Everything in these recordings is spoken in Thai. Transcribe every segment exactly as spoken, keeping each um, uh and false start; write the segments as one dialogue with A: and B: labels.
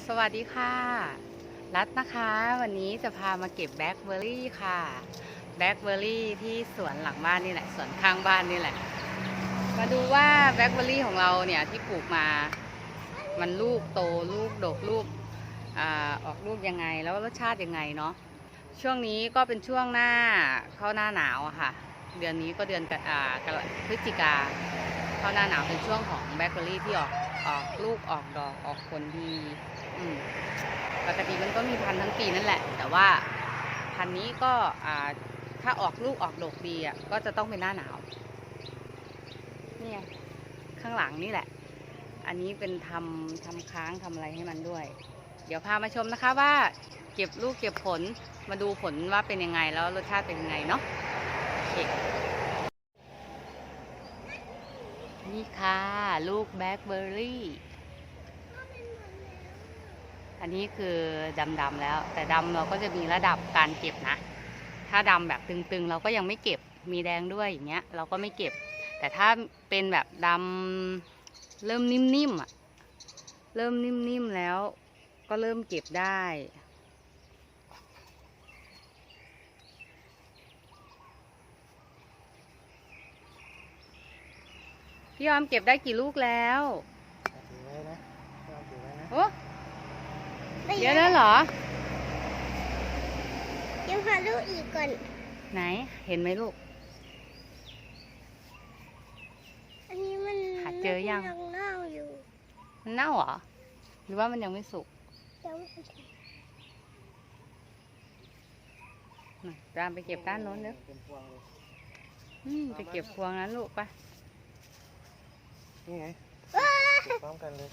A: สวัสดีค่ะรัตนะคะวันนี้จะพามาเก็บแบล็คเบอร์รี่ค่ะแบล็คเบอร์รี่ที่สวนหลังบ้านนี่แหละสวนข้างบ้านนี่แหละมาดูว่าแบล็คเบอร์รี่ของเราเนี่ยที่ปลูกมามันลูกโตลูกดกลูกอ่าออกลูกยังไงแล้วรสชาติยังไงเนาะช่วงนี้ก็เป็นช่วงหน้าเข้าหน้าหนาวอะค่ะเดือนนี้ก็เดือนอ่าพฤศจิกาเข้าหน้าหนาวเป็นช่วงของแบล็คเบอร์รี่ที่ออกออกลูกออกดอกออกผลดีปกติมันก็มีพันธุ์ทั้งปีนั่นแหละแต่ว่าพันธุ์นี้ก็ถ้าออกลูกออกดอกดีอ่ะก็จะต้องเป็นหน้าหนาวนี่ไงข้างหลังนี่แหละอันนี้เป็นทำทำค้างทำอะไรให้มันด้วยเดี๋ยวพามาชมนะคะว่าเก็บลูกเก็บผลมาดูผลว่าเป็นยังไงแล้วรสชาติเป็นยังไงเนาะนี่ค่ะลูกแบล็คเบอร์รี่อันนี้คือดำๆแล้วแต่ดำเราก็จะมีระดับการเก็บนะถ้าดำแบบตึงๆเราก็ยังไม่เก็บมีแดงด้วยอย่างเงี้ยเราก็ไม่เก็บแต่ถ้าเป็นแบบดำเริ่มนิ่มๆอ่ะเริ่มนิ่มๆแล้วก็เริ่มเก็บได้พี่ยอมเก็บได้กี่ลูกแล้วโอ้เยอะแล้วเหรอ
B: ยังหาลูกอีกก่อน
A: ไหนเห็นไหมลูก
B: อันนี้มัน
A: หาเจอยัง
B: เน่าอยู่
A: มันเน่าเหรอหรือว่ามันยังไม่สุก
B: ยังไม่สุก
A: ตามไปเก็บด้านโน้นเด้อไปเก็บพวงนั้นลูกไป
C: นี่ไงพร้อมกันเลย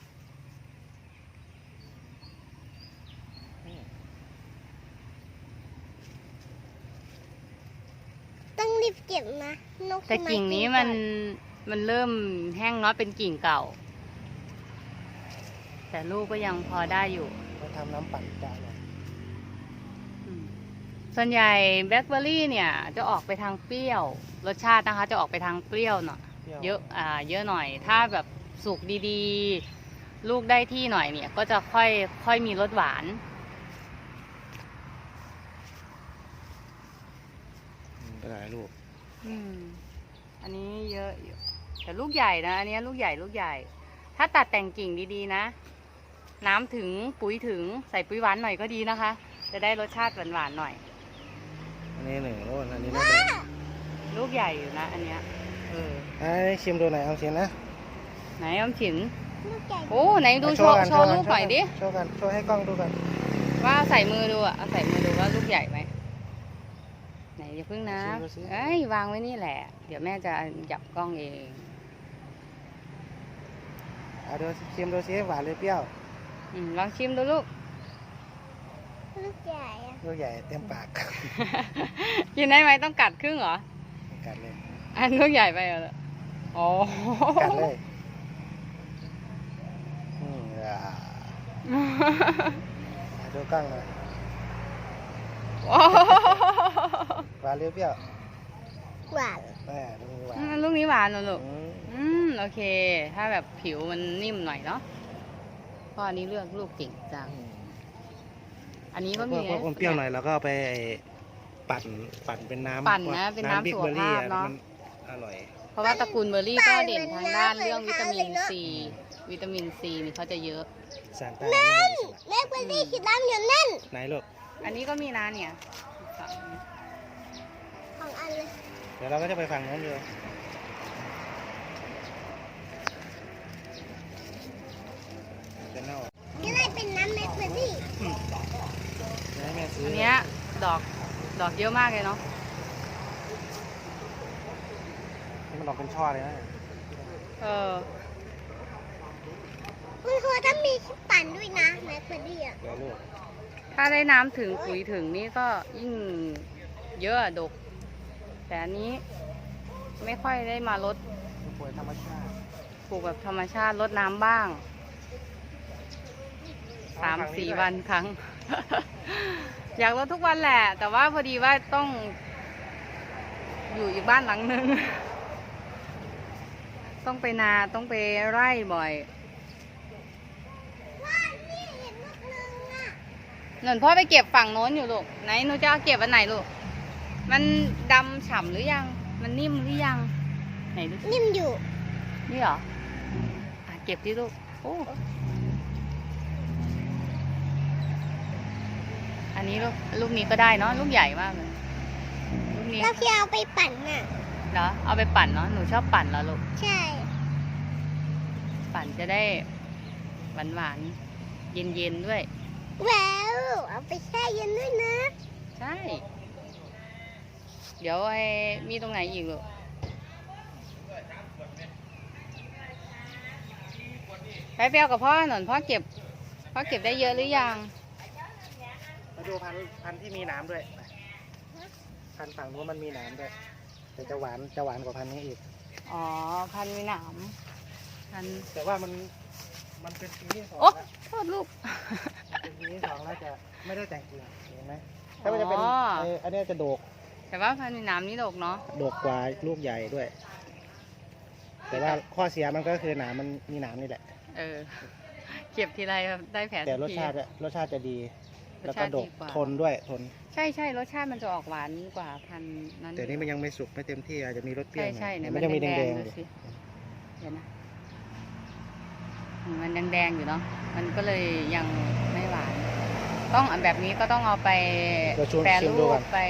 B: ต้องรีบเก็บนะนก
A: แต่กิ่งนี้มันมันเริ่มแห้งเนาะเป็นกิ่งเก่าแต่ลูกก็ยังพอได้อยู่
C: เราทำน้ำปั่นจ่ายเลย
A: ส่วนใหญ่แบล็คเบอร์รี่เนี่ยจะออกไปทางเปรี้ยวรสชาตินะคะจะออกไปทางเปรี้ยวหน่อยเยอะอ่าเยอะหน่อยถ้าแบบสุกดีๆลูกได้ที่หน่อยเนี่ยก็จะค่อยค่อยมีรสหวาน
C: หลายลูก
A: อืมอันนี้เยอะอยู่แต่ลูกใหญ่นะอันนี้ลูกใหญ่ลูกใหญ่ถ้าตัดแต่งกิ่งดีๆนะน้ำถึงปุ๋ยถึงใส่ปุ๋ยหวานหน่อยก็ดีนะคะจะได้รสชาติหวานๆหน่อย
C: อันนี้หนึ่งลูกอันนี้ไม่แดง
A: ลูกใหญ่อยู่นะอันเนี้ยเออ
C: ไอ้ชิมดูหน่อยเอาชิมนะ
A: ไหนอมฉินโอ้ไหนดูโชว์โชว์ลูกหน่อยดิ
C: โชว์กันโชว์ให้กล้องดูกัน
A: ว่าใส่มือดูอ่ะเอาใส่มือดูว่าลูกใหญ่ไหมไหนอย่าพึ่งนะเอ้ยวางไว้นี่แหละเดี๋ยวแม่จะจับกล้องเอง
C: เอาดูชิมดูซิหวานหรือเปรี้ยว
A: อืมลองชิมดูลูก
B: ลูกใหญ่
C: ลูกใหญ่เต็มปาก
A: กินได้ไหมต้องกัดครึ่งเหรอ
C: กัดเลย
A: อันลูกใหญ่ไปเหรอโอ้
C: กัดเลยอืมดูกล้องหน่อยหวานหรือเปรี้ยว
B: หวาน
C: แม่ลูกนี้หวาน
A: ลูกนี้หวานเหรอลูกอืมโอเคถ้าแบบผิวมันนิ่มหน่อยเนาะเพราะอันนี้เลือกลูกเก่งจังอันนี้ก็มี
C: พวกเปรี้ยวหน่อยแล้วก็ไปปั่นปั่นเป็นน้ำ
A: ปั่นนะเป็นน้ำสุขภาพเนาะ
C: อร่อย
A: เพราะว่าตระกูลเบอร์รี่ก็เด่นทางด้านเรื่องวิตามินซีวิตามินซีนี่เขาจะเยอะ
B: นั่นแม่เบอร์รี่คือดำอยู่นั่น
C: ไหนลูก
A: อันนี้ก็มีนะเนี่ย
B: ของอันเลย
C: เดี๋ยวเราก็จะไปฝั่งนู้นดูจะเน่า
B: นี่อะไรเป็นน้ำแมคเบอร์รี่
A: อันนี้ดอกดอกเยอะมากเลยเนาะ
C: นี่มันดอกเป็นช่อเลยนะ
A: เออ
B: มันควรต้องมีปั่นด้วยนะแมคเบอร์รี่อ่ะ
A: ถ้าได้น้ำถึงปุ๋ยถึงนี่ก็ยิ่งเยอะดกแต่อันนี้ไม่ค่อยได้มาลด
C: ปลูกธรรมชาติ
A: ปลูกแบบธรรมชาติลดน้ำบ้างสามสี่วันครั้ง อยากลดทุกวันแหละแต่ว่าพอดีว่าต้องอยู่อีกบ้านหลังนึงต้องไปนาต้องไปไร่บ่อย
B: ว่านี่
A: หนุนพ่อไปเก็บฝั่งโน้นอยู่ลูกไหนหนูจะเอาเก็บอันไหนลูกมันดำฉ่ำหรือยังมันนิ่มหรือยังไหนดูสิ
B: นิ่มอยู่
A: นี่เหรออ่ะเก็บดิลูกโอ้อันนี้ลูกลูกนี้ก็ได้เนาะลูกใหญ่มากเลยลูกนี้
B: แล้วพี่เอาไปปั่นน่ะ
A: เหรอเอาไปปั่นเนาะหนูชอบปั่นเหรอลูก
B: ใช่
A: ปั่นจะได้หวานหวานเย็นเย็นๆด้วย
B: ว้าวเอาไปแช่เย็นด้วยนะ
A: ใช่ เดี๋ยวไอ้มีตรงไหนอีกลูกไปเปรี้ยวกับพ่อหน่อยพ่อเก็บพ่อเก็บได้เยอะหรือยัง
C: มาดูพันธุ์พันธุ์ที่มีหนามด้วยไปพันธุ์ฝั่งนู้นมันมีหนามด้วยแต่จะหวานจะหวานกว่าพันธุ์นี้อีก
A: อ๋อพันมีหนามพัน
C: แต่ว่ามันมันเป็นปีที่สอง
A: โอ้
C: แล้ว
A: โทษลูก
C: เป็นปีที่สองแล้วจะไม่ได้แต่งกิ่งเห็นไหมถ้ามันจะเป็น
A: อ๋อ
C: ไอ้อันเนี้ยจะโดก
A: แต่ว่าพันมีหนามนี่ดกเนาะ
C: โดกกว่าลูกใหญ่ด้วย แต่ว่าข้อเสียมันก็คือหนามมันมีหนามนี่แหละ
A: เออเก็บทีไรได้แผล
C: แต่
A: ทุ
C: ร
A: ก
C: ส
A: ที
C: ชาติอะรสชาติจะดี
A: ร
C: แล้ว
A: ส
C: ก็
A: ชาติ
C: ด
A: ดี
C: ก
A: กว่า
C: ทนด้วยทน
A: ใช่ใช่รสชาติมันจะออกหวานกว่าพันนั้น
C: แต่นี่มันยังไม่สุกไม่เต็มที่อาจจะมีรสเปรี้ย
A: ใช่
C: วหน่อย
A: ใช่เนี่ย
C: มั
A: มัน
C: นยังมี
A: แด
C: แด
A: ง
C: ง
A: ๆ
C: ๆอ
A: ดู
C: ยู่
A: สิเดี๋ยวนะอืมมันแดงๆอยู่เนาะมันก็เลยยังไม่หวาน ต้องอันแบบนี้ก็ต้องเอาไป
C: เราชวน
A: แปร
C: ชิม
A: รู
C: ดู
A: ป
C: ก่อน
A: ไป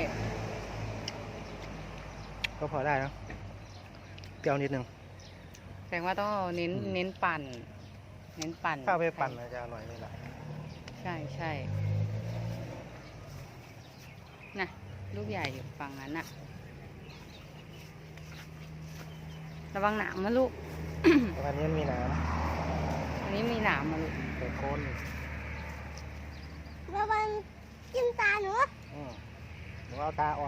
C: ก็พอได้นะเปรี้ยวนิดนึง
A: แสดงว่าต้องเอาเน้น
C: อืม
A: เน้นปั่น เน้นปั่น
C: ถ้าเอาไปปั่นมันจะอร่อยเลยล่ะ
A: ใช่ใช่น่ะลูกใหญ่อยู่ฝั่งนั้นน่ะ ระวังหนามนะลูก
C: แต่วันนี้มันมีหนาม
A: อันนี้มีหนามมาลูก
C: แต่โคน
B: ระวังจิ้มตาหนู
C: อืมหนูเอาตาออก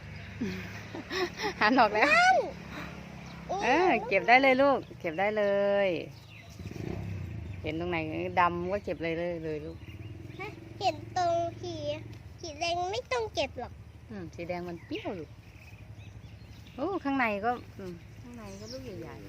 A: หันออกแล้ว เออเก็บได้เลยลูก เก็บได้เลย เห็นตรงไหนดำก็เก็บเลยเลยเลยลูก
B: เห็นตรงขีขีแดงไม่ต้องเก็บหรอก
A: อืมสีแดงมันเปรี้ยวลูกโอ้ข้างในก็อืมข้างในก็ลูกใหญ่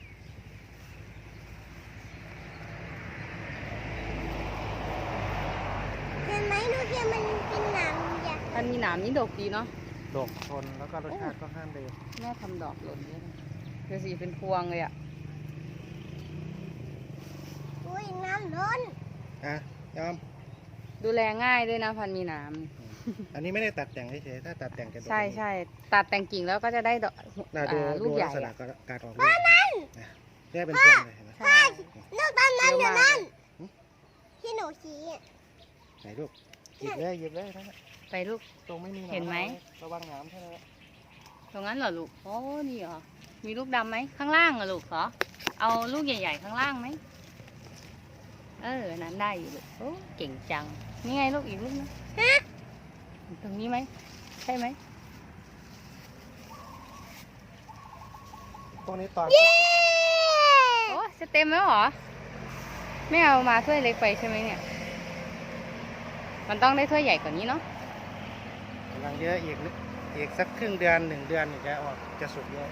B: เห็นไหมหนูเห็นมันเป็นหนามใหญ่
A: ๆมันมีหนามนี่ดกดีเนาะ
C: ดกทนแล้วก็รสชาติก็ห้ามดี
A: แม่ทำดอกหล่นเนี่ยนะเดี๋ยวสีเป็นพวงเลยอ่ะ
B: อุ้ยน้ำล้น
C: อ่ะยอม
A: ดูแลง่ายด้วยนะพันมีหนาม
C: อันนี้ไม่ได้ตัดแต่งเฉยๆถ้าตัดแต่งจะดก
A: ใช่ใช่ตัดแต่งกิ่งแล้วก็จะได้ดอก
C: น่าดู
A: อ่าลู
C: ดู
A: กให
C: ลั
A: ญ่
C: กษณะ
A: อะ
C: การออกลูกนะเนี่ยเป็นพวงเลยเห็นไหม
A: ใช่
B: ลูกตอนนั้นอยู่นั่นที่หนูชี้อะ
C: ไหนลูกหยิบเลยหยิบเลยนะ
A: ไปลูก
C: ตรงไม่มีน้ำ
A: เห็นไหม
C: ระวังน้ำใช่ไหม
A: ตรงนั้นเหรอลูกโอ้นี่เหรอมีลูกดำไหมข้างล่างเหรอลูกเหรอเอาลูกใหญ่ ๆ ข้างล่างไหมเอออันนั้นได้อยู่ลูกโอ้เก่งจังนี่ไงลูกอีกลูกนึงตรงนี้ไหมใช่ไหม
C: พวกนี้ตอน
A: โอ้จะเต็มแล้วเหรอไม่เอามาถ้วยเล็กไปใช่ไหมเนี่ยมันต้องได้ถ้วยใหญ่กว่านี้เนาะ
C: กำลังเยอะอีกนิดอีกสักครึ่งเดือนหนึ่งเดือนถึงจะออกจะสุกเยอะ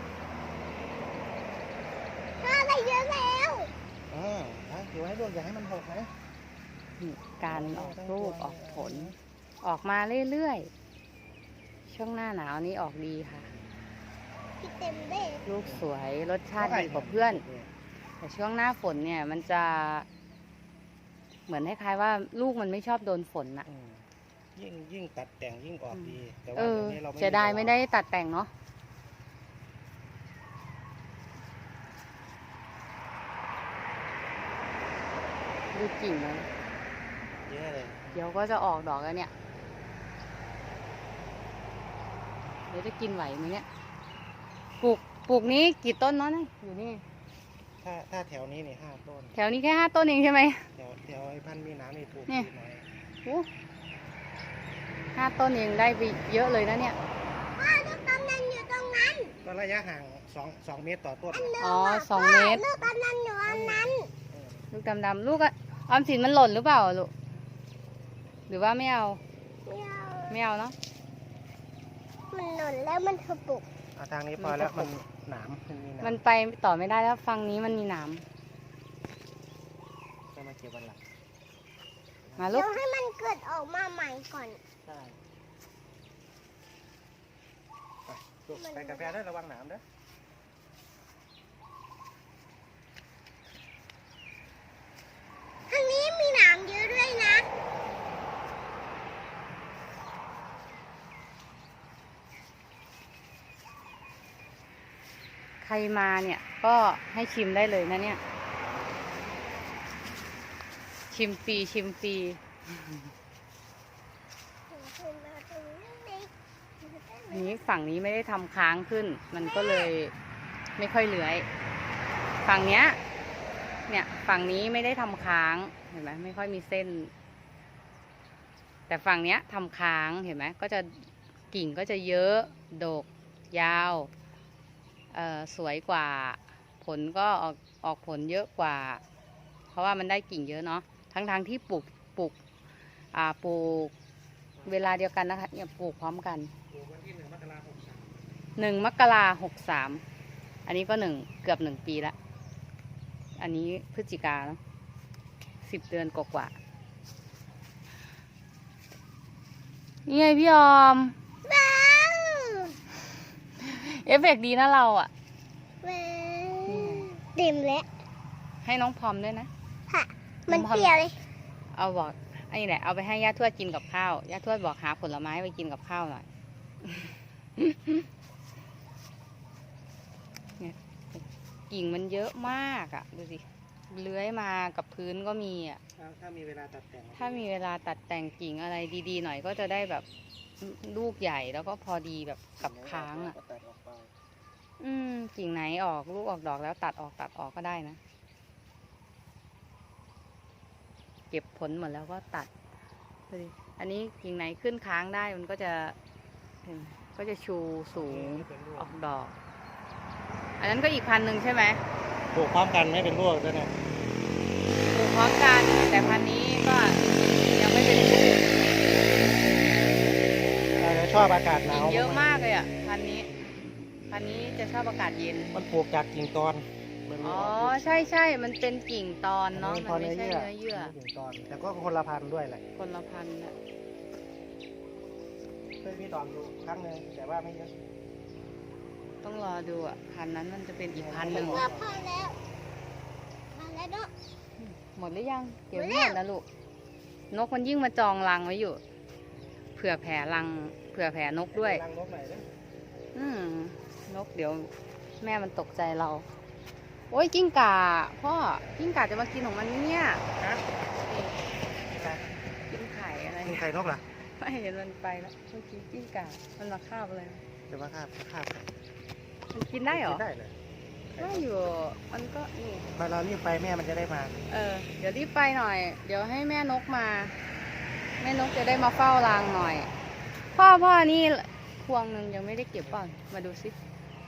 B: ถ้าได้เยอะแล้ว
C: อ่าอ่ะอยู่ให้ลูกอย่าให้มันหกนะ
A: การออกลูกออกผล ออกมาเรื่อยๆ ช่วงหน้าหนาวนี้ออกดีค่ะ
B: พี่เต็มเลย
A: ลูกสวยรสชาติดีกว่าเพื่อน แต่ช่วงหน้าฝนเนี่ยมันจะเหมือนคล้ายๆว่าลูกมันไม่ชอบโดนฝนน่ะ
C: อืมยิ่งยิ่งตัดแต่งยิ่งออกดีแต่
A: เอ
C: ว่า
A: อ
C: เดี๋ยวนี้เราไม่
A: เสียดายไม่ได้ตัดแต่งเนาะดูกิ่งมัน
C: เยอะเลย
A: เดี๋ยวก็จะออกดอกแล้วเนี่ย เดี๋ยวจะกินไหวไหมเนี่ย ปลูก ปลูกนี้กี่ต้นเนาะเนี่ยอยู่นี่
C: ถ้าถ้าแถวนี้นี่ห้าต้น
A: แถวนี้แค่ห้าต้นเองใช่ไหม
C: แถวแถวไอ้พันธุ์มีน้ำนี่ปลูก
A: เนี่ย
C: ดีหน่อย
A: โอ้ห้าต้นเองได้ไปเยอะเลยนะเนี่ย
B: พ่อลูกตอนนั้นอยู่ตรงนั้น
C: ก็ระยะห่างสองสองเมตรต่อต้น
A: อ๋อสองเมตร
B: ลูกตอนนั้นอยู่อันนั้น
C: เออ
A: ลูกดำๆลูกอะออมสินมันหล่นหรือเปล่าลูก หรือว่าไม่เอา
B: ไม่เอา
A: ไม่เอาเนาะ
B: มันหล่นแล้วมันถูกปลุก
C: เอาทางนี้พอแล้วมันหนามมันมีหนาม
A: มันไปต่อไม่ได้แล้วฝั่งนี้มันมีหนาม
C: ก็มาเก็บวันหลัง
A: มาลู
B: เดี๋
A: ก
B: ยวให้มันเกิดออกมาใหม่ก่อน
C: ใช่ไปลูกไปกาแฟได้ระวังหนามเด้อ
B: ทางนี้มีหนามเยอะด้วยนะ
A: ใครมาเนี่ยก็ให้ชิมได้เลยนะเนี่ย ชิมฟรีชิมฟรี อันนี้ฝั่งนี้ไม่ได้ทำค้างขึ้น มันก็เลยไม่ค่อยเลื้อย ฝั่งเนี้ย เนี่ยฝั่งนี้ไม่ได้ทำค้างเห็นไหมไม่ค่อยมีเส้น แต่ฝั่งเนี้ยทำค้างเห็นไหมก็จะกิ่งก็จะเยอะดกยาวเอ่อสวยกว่าผลก็ออกออกผลเยอะกว่า เพราะว่ามันได้กิ่งเยอะเนาะทั้งทางที่ปลูกปลูกอ่าปลูกเวลาเดียวกันนะคะเนี่ยปลูกพร้อมกัน
C: ปลูกวันที่หนึ่งมกราคมหกสาม
A: หนึ่งมกราหกสามอันนี้ก็หนึ่งเกือบหนึ่งปีละอันนี้พฤศจิกาเนาะสิบเดือนกว่าๆนี่ไงพี่ออม
B: ว้าว
A: เอฟเฟกต์ดีนะเราอ่ะ
B: ว้าวเต็มแล้ว
A: ให้น้องพรอมด้วยนะ
B: ค่ะ มันเปรี้ยวเลย
A: เอาบอกไอ้นี่แหละเอาไปให้ย่าทวดกินกับข้าวย่าทวดบอกหาผลไม้ไปกินกับข้าวหน่อย เนี่ยกิ่งมันเยอะมากอ่ะดูสิเลื้อยมากับพื้นก็มีอ่ะ
C: ถ้าถ้ามีเวลาตัดแต่ง
A: ถ้ามีเวลาตัดแต่งกิ่งอะไรดีๆหน่อยก็จะได้แบบลูกใหญ่แล้วก็พอดีแบบกับค้างอ่ะ
C: ก็ตัดออกไป
A: อืมกิ่งไหนออกลูกออกดอกแล้วตัดออกตัดออกก็ได้นะ เก็บผลหมดแล้วก็ตัดดูดิอันนี้กิ่งไหนขึ้นค้างได้มันก็จะเห็นก็จะชูสูงออกดอก อันนั้นก็อีกพันหนึ่งใช่ไหม
C: ปลูกพร้อมกันไม่เป็นร่วงด้วยนะ
A: ปลูกพร้อมกันแต่พันธุ์นี้ก็ยังไม่เป็น
C: เราจะชอบอากาศหนา
A: กิ่ง
C: ว
A: เยอะมากเลยอ่ะพันธุ์นี้ พันธุ์นี้จะชอบอากาศเย็น
C: มันปลูกจากกิ่งตอนมัน
A: อ๋อ
C: ออกลูก
A: ใช่ใช่มันเป็นกิ่งตอนเนาะ
C: อั
A: มันไม่ใช่เนื้อเยื่อ
C: มันเป็นกิ่งตอน แต่ก็คนละพันธุ์ด้วยแหละ
A: คนละพันธุ์น่ะ
C: เคยมีดอกอยู่ครั้งหนึ่งแต่ว่าไม่เยอะ
A: ต้องรอดูอ่ะพันธุ์นั้นมันจะเป็นอีกพันธุ์หนึ่ง
B: ว่าพอแล้วพอแล้วเนาะ
A: หมดหรือยังเก็บ
B: หมด
A: ไม่
B: แล้ว
A: หมดนะลูกนกมันยิ่งมาจองรังไว้อยู่ เผื่อแผ่รังเผื่อแผ่นกด้วย
C: รังนกหน่อยเด้อ
A: อืมนกเดี๋ยวแม่มันตกใจเรา โอ้ยกิ้งก่าพ่อกิ้งก่าจะมากินของมันเนี่ย
C: ฮะ
A: กินไข่อะไร
C: มีไข่นกเหรอ
A: ไม่เห็นมันไปแล้วเมื่อกี้กิ้งก่ามันมาคาบอะไร
C: จะมาคาบคาบ
A: มันกินได้เหรอ
C: กินได้เลย
A: ได้อยู่มันก็นี่
C: พอเรารีบไปแม่มันจะได้มา
A: เออเดี๋ยวรีบไปหน่อย เดี๋ยวให้แม่นกมา แม่นกจะได้มาเฝ้ารังหน่อย พ่อพ่อนี่พวงหนึ่งยังไม่ได้เก็บป่ะมาดูสิ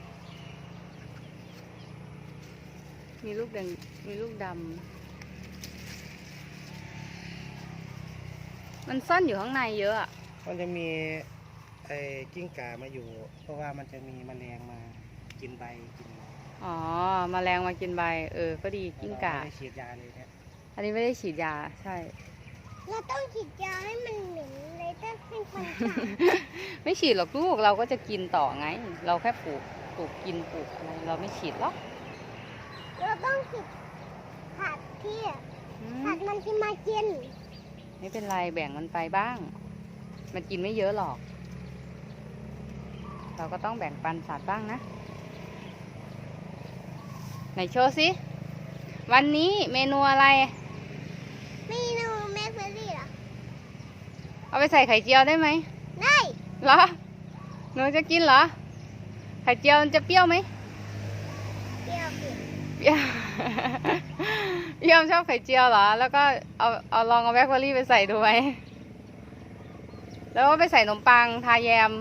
A: มีลูกแดงมีลูกดำมันซ่อนอยู่ข้างในเยอะอะ
C: มันจะมีไอ้กิ้งก่ามาอยู่ เพราะว่ามันจะมีแมลงมากินใบกิน
A: อ๋อมแมลงมากินใบเออก็ดีกิ้งก่า
C: ไม่ได้ฉีดยาเลยเนี่ย
A: อันนี้ไม่ได้ฉีดยาใช่
B: เราต้องฉีดยาให้มันเหม็นเลยต้องให้มันตาย
A: ไม่ฉีดหรอกลูกเราก็จะกินต่อไง เราแค่ปลูกปลูกกินปลูกอะไรเราไม่ฉีดหรอก
B: เราต้องฉีดผัดที่
A: อืม
B: ผัดมันที่มากิน
A: ไม่เป็นไรแบ่งมันไปบ้าง มันกินไม่เยอะหรอก เราก็ต้องแบ่งปันสัตว์บ้างนะไหนโชว์สิวันนี้เมนูอะไร
B: เมนูแมคเบอรี่เหรอ
A: เอาไปใส่ไข่เจียวได้ไหม
B: ได้
A: เหรอหนูจะกินเหรอไข่เจียวมันจะเปรี้ยวไหม
B: เปรี้ยวเปรี้ยว
A: เปรี้ยว พี่ยอมชอบไข่เจียวเหรอ แล้วก็เอาเอาลองเอาแบล็คเบอร์รี่ไปใส่ดูไหม แล้วก็ไปใส่ขนมปังทาแยม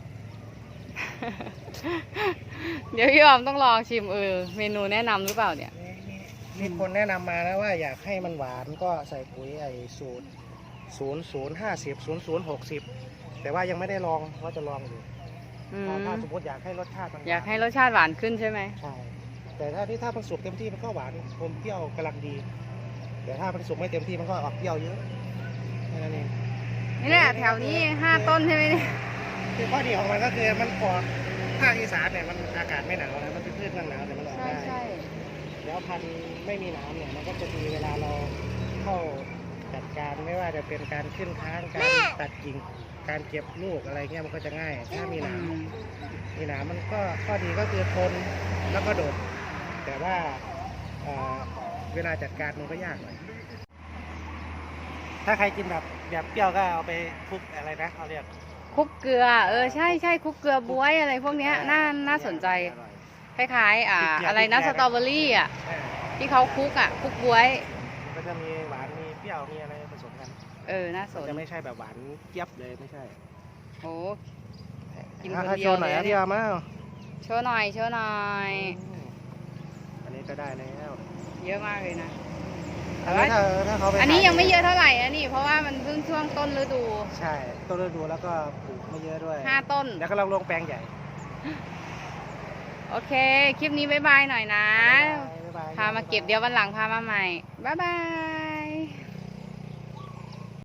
A: เดี๋ยวพี่ยอมต้องลองชิมเออเมนูแนะนำหรือเปล่าเนี่ย
C: มีมีมีคนแนะนำมานะว่าอยากให้มันหวานก็ใส่ปุ๋ยไอ้สูตรศูนย์ศูนย์ห้าสิบศูนย์ศูนย์หกสิบแต่ว่ายังไม่ได้ลองว่าจะลองอยู่
A: อืม
C: ถ้าถ้าสมมติอยากให้รสชาติมัน
A: อยากให้รสชาติหวานขึ้นใช่ไหม
C: ใช่แต่ถ้าที่ถ้ามันสุกเต็มที่มันก็หวานอมเปรี้ยวกำลังดี แต่ถ้ามันสุกไม่เต็มที่มันก็ออกเปรี้ยวเยอะแค่นั้นเอง
A: นี่แหละแถวนี้ห้าต้นใช่ไหมเนี่ย
C: คือข้อดีของมันก็คือมันปลอดภาคอีสานเนี่ยมันอากาศไม่หนาวนะมันเป็นพืชเมืองหนาวแต่มันออก
A: ใช่
C: ได้
A: ใช่
C: แล้วพันธุ์ไม่มีหนามเนี่ยมันก็จะดีเวลาเราเข้าจัดการไม่ว่าจะเป็นการขึ้นค้างการตัดกิ่งการเก็บลูกอะไรเงี้ยมันก็จะง่าย ถ้ามีห
A: อื
C: นาม
A: ม
C: มีหนามมันก็ข้อดีก็คือทนแล้วก็โดด แต่ว่าเอ่อเวลาจัดการมันก็ยากหน่อยถ้าใครกินแบบแบบเปรี้ยวก็เอาไปคลุกอะไรนะเขาเรียก
A: คลุกเกลือ เออใช่ใช่คลุกเกลือบ๊วยอะไรพวกเนี้ยน่าน่าสนใจ
C: อร่อย
A: คล้ายๆอ่าอะไรนะสตรอเบอรี่อ่ะ
C: เออ
A: ที่เขาคลุกอ่ะคลุกบ๊วย
C: มันก็จะมีหวานมีเปรี้ยวมีอะไรผสมกัน
A: เออน่าส
C: มัน
A: น
C: จะไม่ใช่แบบหวานเจี๊ยบเลยไม่ใช่
A: โอ้กิน
C: อ่ะ
A: คน
C: ให้
A: เดี
C: โช
A: ยว
C: ว์หน่อย
A: เลย
C: อ่ะ
A: เนี่
C: พี่
A: ย
C: เอามา
A: โชว์หน่อยโชว์หน่อย
C: อันนี้ก็ได้แล้ว
A: เยอะมากเลยนะ
C: อันนี้ถ้าถ้าเขาไป
A: อันนี้
C: ขาย
A: ยังไม่เยอะเท่าไหร่นะนี่ เพราะว่ามันเพิ่งช่วงต้นฤดู
C: ใช่ต้นฤดูแล้วก็ปลูกไม่เยอะด้วย
A: ห้าต้น
C: แล้วก็เราลงแปลงใหญ่
A: โอเค คลิปนี้บ๊ายบายหน่อยนะ
C: บ๊ายบาย
A: พามาเก็บเดี๋ยววันหลังพามาใหม่ บ๊ายบาย